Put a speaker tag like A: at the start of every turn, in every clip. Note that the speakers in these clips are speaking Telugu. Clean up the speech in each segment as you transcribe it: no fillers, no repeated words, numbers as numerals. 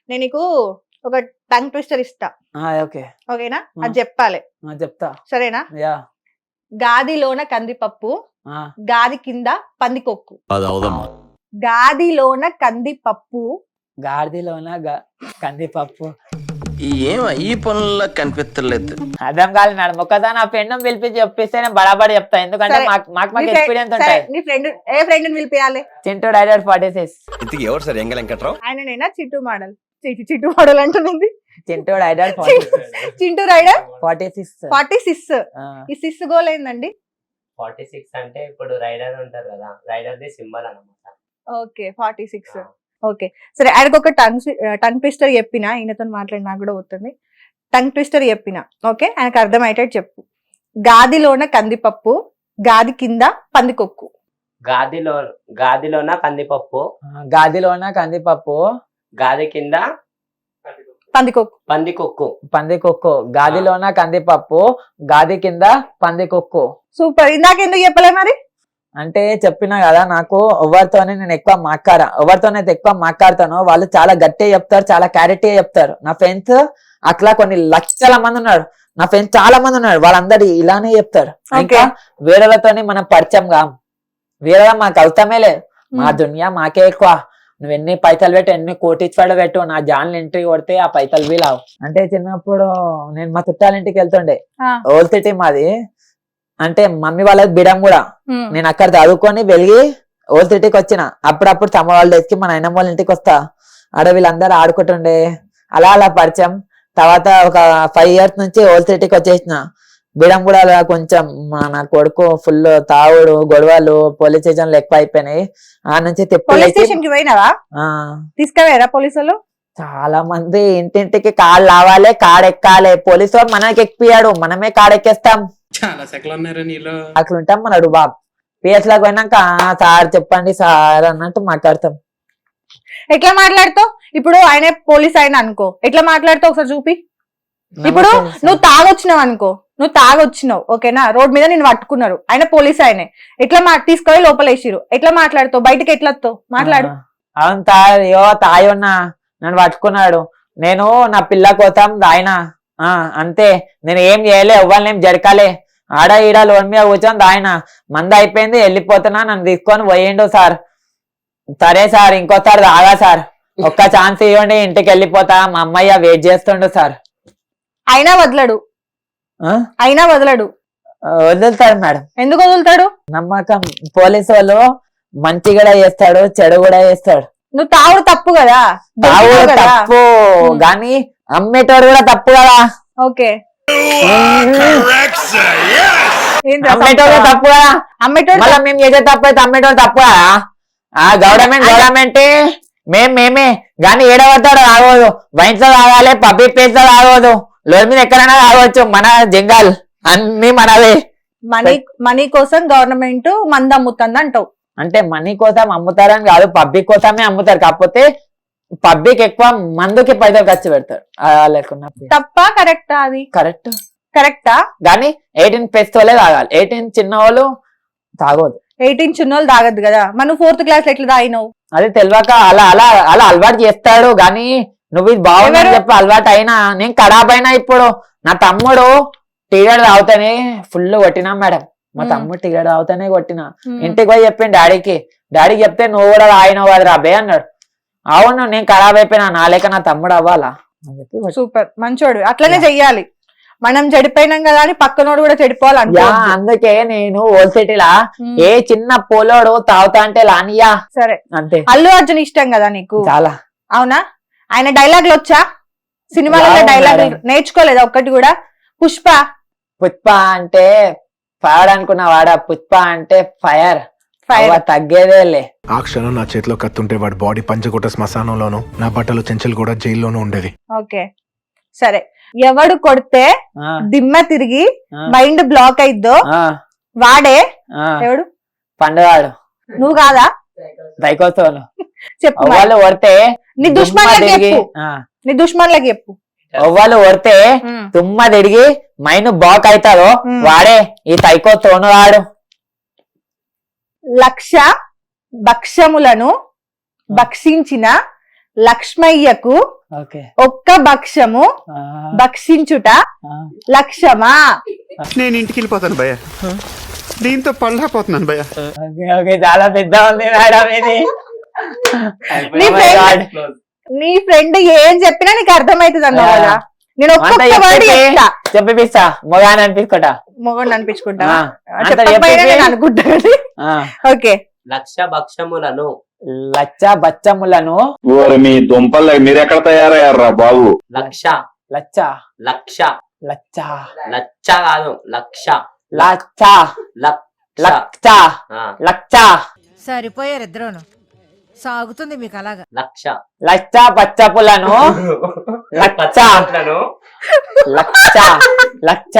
A: నేను నీకు ఒక టంగ్ ట్విస్టర్ ఇస్తా,
B: ఓకే
A: ఓకేనా? అది చెప్పాలి,
B: చెప్తా.
A: సరేనా?
B: యా
A: గాదిలోన కందిపప్పు, గాది కింద పందికొక్కు. గాదిలోన కందిపప్పు,
B: గాడిలోన కందిపప్పు.
C: ఈ పనుల్లో కనిపించలేదు.
B: అర్థం కాదు మేడం. ఒకసారి నా ఫ్రెండ్ పిలిపించి చెప్పిస్తే నేను బరాబడి చెప్తా, ఎందుకంటే మాకు ఎక్స్పీరియన్స్ ఉంటాయి.
A: నీ ఫ్రెండ్ ఏ ఫ్రెండ్ పిలిపియాలి?
B: చింటూ రైడర్ 46.
C: ఇంతకీ ఎవరు సార్ ఎంగ వెంకట్రావు?
A: ఆయననేనా చిట్టు మోడల్? చిట్టు మోడల్ అంటున్నది.
B: Chintu rider
A: Chintu rider
B: 46.
A: 46. ఈ సిస్ గోల్ ఏందండి?
D: 46 అంటే ఇప్పుడు రైడర్ ఉంటారు కదా, రైడర్ ది సింబల్ అన్నమాట.
A: ఓకే 46. ఓకే సరే, ఆయనకు ఒక టంగ్ ట్విస్టర్ చెప్పిన, ఈయనతో మాట్లాడి నాకు కూడా పోతుంది. టంగ్ ట్విస్టర్ చెప్పిన, ఓకే? ఆయనకు అర్థమయ్యేటట్టు చెప్పు. గాదిలోన కందిపప్పు, గాది కింద పందికొక్కు.
D: గాదిలోన కందిపప్పు,
B: గాదిలోన కందిపప్పు,
D: గాది కింద
A: పందికొక్కు.
B: పందికొక్కు. గాదిలోన కందిపప్పు, గాది కింద పందికొక్కు.
A: సూపర్. ఇందాక ఎందుకు చెప్పలే మరి?
B: అంటే చెప్పినా కదా, నాకు ఎవరితోనే నేను ఎవరితోనైతే ఎక్కువ మాట్లాడతానో వాళ్ళు చాలా గట్టిగా చెప్తారు, చాలా క్లారిటీ చెప్తారు. నా ఫ్రెండ్స్ అట్లా కొన్ని లక్షల మంది ఉన్నారు, నా ఫ్రెండ్స్ చాలా మంది ఉన్నారు, వాళ్ళందరూ ఇలానే చెప్తారు. ఇంకా వేరేలతోని మనం పరిచయం కాం, వేరే మాకు అవుతామే లేదు. మా దునియా మాకే ఎక్కువ. నువ్వు ఎన్ని పైసలు పెట్టు, ఎన్ని కోటిచ్చాడు పెట్టు, నా జాన్లు ఎంట్రీ కొడితే ఆ పైసలు వీలావు. అంటే చిన్నప్పుడు నేను మా చుట్టాల ఇంటికి వెళ్తుండే, ఓల్ సిటీ మాది. అంటే మమ్మీ వాళ్ళకి బిడం కూడా, నేను అక్కడ చదువుకొని వెలిగి ఓల్ సిటీకి వచ్చిన. అప్పుడప్పుడు సమ్మర్ హాలిడేస్ మా నాయనమ్మ వాళ్ళ ఇంటికి వస్తా, ఆడ వీళ్ళందరూ ఆడుకుంటుండే. అలా అలా పరిచయం. తర్వాత ఒక 5 years నుంచి ఓల్ సిటీకి వచ్చేసిన. బిడం కూడా అలా కొంచెం నా కొడుకు ఫుల్ తాగుడు, గొడవలు, పోలీస్ స్టేషన్లు ఎక్కువ అయిపోయినాయి. ఆ నుంచి
A: తీసుకుపోయారా పోలీసులు?
B: చాలా మంది ఇంటింటికి కాళ్ళు లావాలి, కాడెక్కాలి. పోలీసు వాడు మనకి ఎక్కియాడు, మనమే కాడెక్కేస్తాం.
E: చాలా సెకలు ఉన్నారా నీలో?
B: అట్లుంటాం మనడు బాబు. పిఎస్ లాగా పోయినాక సార్ చెప్పండి సార్ అన్నట్టు మాట్లాడతాం.
A: ఎట్లా మాట్లాడతావు? ఇప్పుడు ఆయన పోలీస్ అయినా అనుకో, ఎట్లా మాట్లాడతావు ఒకసారి చూపి. ఇప్పుడు నువ్వు తాగొచ్చినావు, ఓకేనా? రోడ్ మీద నేను పట్టుకున్నారు, ఆయన పోలీస్ ఆయనే, ఎట్లా తీసుకొని లోపల వేసిరు, ఎట్లా మాట్లాడతావు? బయటకి ఎట్లా వస్తావు? మాట్లాడు.
B: అవును తాయి ఉన్నా, నన్ను పట్టుకున్నాడు, నేను నా పిల్ల కోసం ఆయన అంతే, నేను ఏం చేయలే, ఎవ్వరిని ఏం జరకాలే. ఆడ ఈడ లోన్ మీద కూర్చొని ఆయన మంద అయిపోయింది, వెళ్ళిపోతున్నా, నన్ను తీసుకొని పోయిండు సార్. సరే సార్, ఇంకోసారి తాగా సార్, ఒక్క ఛాన్స్ ఇవ్వండి, ఇంటికి వెళ్ళిపోతా, మా అమ్మయ్య వెయిట్ చేస్తుండు సార్.
A: అయినా వదలడు
B: వదులుతాడు మేడం.
A: ఎందుకు వదులుతాడు?
B: నమ్మకం. పోలీసు వాళ్ళు మంచి కూడా చేస్తాడు, చెడు కూడా చేస్తాడు.
A: నువ్వు తావుడు తప్పు కదా,
B: తావుడు తప్పు గాని అమ్మేటోడు కూడా తప్పు కదా.
A: ఓకే
B: అమ్మేటోడు తప్పు కదా, మళ్ళీ మేము చేసే తప్పు అయితే అమ్మేటోడు తప్పు కదా. గవర్నమెంట్ మేమే గాని ఏడవతాడు తాగోదు, వైన్స్ లో తాగాలి, పబ్లిక్ ప్లేస్ లో తాగోదు, లోన్ మీద ఎక్కడైనా తాగవచ్చు, మన జంగాల్ అన్ని మనవే.
A: మనీ కోసం గవర్నమెంట్ మంద అమ్ముతుంది అంటావు?
B: అంటే మనీ కోసం అమ్ముతారని కాదు, పబ్లిక్ కోసమే అమ్ముతారు. కాకపోతే పబ్లిక్ ఎక్కువ మందుకి పైసలు ఖర్చు పెడతారు. లేకున్నా
A: తప్ప కరెక్టా? అది కరెక్టా
B: కానీ 18+ వాళ్ళే తాగాలి, 18 చిన్న వాళ్ళు తాగోదు.
A: 18 చిన్నోళ్ళు తాగద్దు కదా. మనం 4th క్లాస్ ఎట్లా తాగినావు?
B: అది తెలియక అలా అలా అలా అలవాటు చేస్తాడు. గాని నువ్వు ఇది బాగుందని చెప్పి అలవాటు అయినా, నేను ఖరాబ్ అయినా. ఇప్పుడు నా తమ్ముడు టీగడ్ తాగుతానే ఫుల్ కొట్టినా మేడం, మా తమ్ముడు టీగడ్ తాగుతానే కొట్టినా. ఇంటికి పోయి చెప్పిండు డాడీకి చెప్తే, నువ్వు కూడా తాగినావు కదా రాబే అన్నాడు. అవును, నేను ఖరాబ్ అయిపోయినా, నా లేక నా తమ్ముడు అవ్వాలా అని చెప్పి.
A: సూపర్, మంచోడు. అట్లనే చెయ్యాలి. మనం చెడిపోయినాం కదా అని పక్కనోడు కూడా చెడిపోవాలి.
B: అందుకే నేను ఓల్ సిటీలా ఏ చిన్న పోలోడు తాగుతా అంటే లానియా.
A: సరే
B: అంతే.
A: అల్లు అర్జున్ ఇష్టం కదా నీకు?
B: చాలా.
A: అవునా? ఆయన డైలాగులు వచ్చా? సినిమాలలో డైలాగులు నేర్చుకోలేదా ఒక్కటి కూడా? పుష్ప
B: అంటే ఫైర్ అనుకున్నా వాడా, పుష్ప అంటే ఫైర్ తగ్గేదేలే.
F: ఆ క్షణం నా చేతిలో కత్తుంటే వాడి బాడీ పంచకోట శ్మశానంలోను, నా బట్టలు చెంచలు కూడా జైల్లోనూ ఉండేది.
A: ఓకే సరే, ఎవడు కొడితే దిమ్మ తిరిగి మైండ్ బ్లాక్ అయిద్దో వాడే ఎవడు?
B: పండుగాడు.
A: నువ్వు కాదా?
B: దైకోత్సవం
A: చెప్పు.
B: వాళ్ళు కొడితే
A: నీ దుష్మన్లకి చెప్పు.
B: ఒవ్వలు కొడితే తుమ్మ తిరిగి మైండ్ బ్లాక్ అవుతారో వాడే ఈ సైకో తోనువాడు.
A: లక్ష భక్ష్యములను భక్షించిన లక్ష్మయ్యకు
B: ఓకే
A: ఒక్క భక్ష్యము భక్షించుట లక్ష్యమా?
E: నేను ఇంటికి వెళ్ళిపోతాను భయ్య, దీంతో పళ్ళపోతున్నాను భయ్య.
B: ఓకే ఓకే చాలా పెద్ద ఉంది మేడం ఇది.
A: నీ ఫ్రెండ్ నీ ఫ్రెండ్ ఏం చెప్పినా నీకు అర్థమైతుంది అన్నావు కదా. నేను ఒక్కొక్క వర్డ్ చెప్తా,
B: చెప్పిస్తా మొగాని అనిపించుకోట
A: మొగండి అనిపించుకుంటా
B: ఆ, అంతా
A: చెప్పకపోయినా
B: చెప్పేసి.
A: నేను అనుకుంటా. ఓకే,
D: లక్ష భక్షములను
B: లచ్చ బచ్చములను
G: ఓరి మీ దుంపలు మీరెక్కడ తయారయ్యారా బాబు?
D: లక్ష
B: లచ్చ
D: లక్ష
B: లచ్చ
D: లచ్చ కాదు లక్ష
B: లచ్చ
D: లక్ష
B: లచ్చ
D: ఆ,
B: లచ్చ
H: సరిపోయారు ఇద్దరును. సాగుతుంది మీకు అలాగా.
D: లక్ష
B: లచ్చ పచ్చపులను లచ్చ
D: పచ్చలను
B: లచ్చ లచ్చ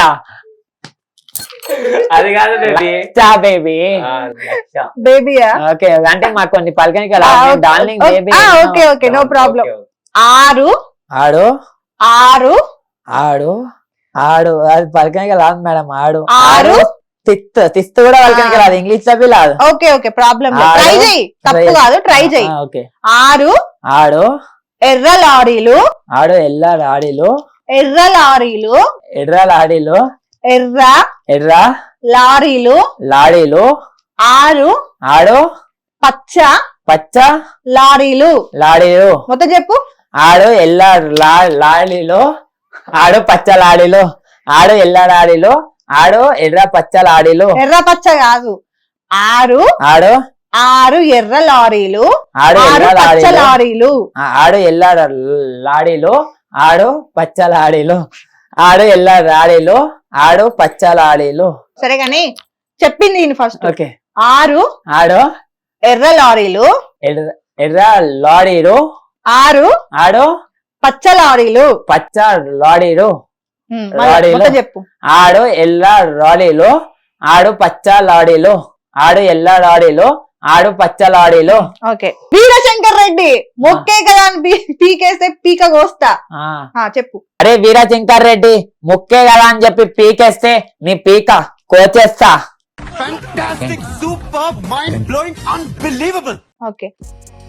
D: అది కాదు బేబీ.
B: లచ్చ బేబీ.
D: లక్ష
A: బేబీయా?
B: ఓకే అంటే మాకు కొన్ని పలకనికి darling baby.
A: Okay okay, no problem.
D: Okay, okay.
A: ఆరు
B: ఆడు
A: ఆరు
B: ఆడు ఆడు అది పలకనికి రాదు మేడం. ఆడు
A: ఆరు
B: తిస్తు కూడా పలకనికి రాదు, ఇంగ్లీష్ లో రాదు.
A: ఓకే ఓకే, ప్రాబ్లం లేదు.
B: ఆరు.
A: ట్రై చేయి, తప్పు కాదు, ట్రై చేయి.
B: ఓకే
A: ఆరు
B: ఆడు
A: ఎర్ర లారీలు
B: ఆడు ఎల్ల లాడీలు
A: ఎర్ర లారీలు
B: ఎర్ర లాడీలు
A: ఎర్ర
B: ఎర్ర
A: లారీలు
B: లాడీలు
A: ఆరు
B: ఆడు
A: పచ్చ
B: పచ్చ
A: లారీలు.
B: లాడీలు
A: మొత్తం చెప్పు.
B: ఆడు ఎల్ల లాడీలు ఆడు పచ్చ లాడీలు ఆడు ఎల్ల లాడీలు ఆడు ఎర్ర పచ్చ లాడీలు
A: ఎర్ర పచ్చ కాదు, ఆరు
B: ఆడు
A: ఆరు ఎర్ర లారీలు
B: ఆడు
A: ఆరు
B: ఎల్ల
A: పచ్చ
B: లాడీలు
A: లారీలు.
B: ఆడు ఎల్ల లాడీలు ఆడు పచ్చ లాడీలు ఆడు ఎల్ల లాడీలు ఆడు పచ్చ లాడీలు.
A: సరే గాని చెప్పింది నేను ఫస్ట్.
B: ఓకే
A: ఆరు
B: ఆడు
A: ఎర్ర లారీలు
B: ఎర్ర ఎర్ర లాడీలు
A: ఆరు
B: ఆడు
A: పచ్చ లారీలు.
B: పచ్చ లాడీలు
A: మళ్ళా
B: లారీలు.
A: మొత్తం చెప్పు.
B: ఆడు ఎల్ల లాడీలు ఆడు పచ్చ లాడీలు ఆడు ఎల్ల లాడీలు ఆడు పచ్చ లాడీలు.
A: ఓకే, వీరశంకర్ రెడ్డి మొక్కే కదా అని పీకేస్తే పీక కోస్తా. చెప్పు.
B: అరే వీరశంకర్ రెడ్డి ముక్కే కదా అని చెప్పి పీకేస్తే నీ పీక కోచేస్తా.
A: ఓకే,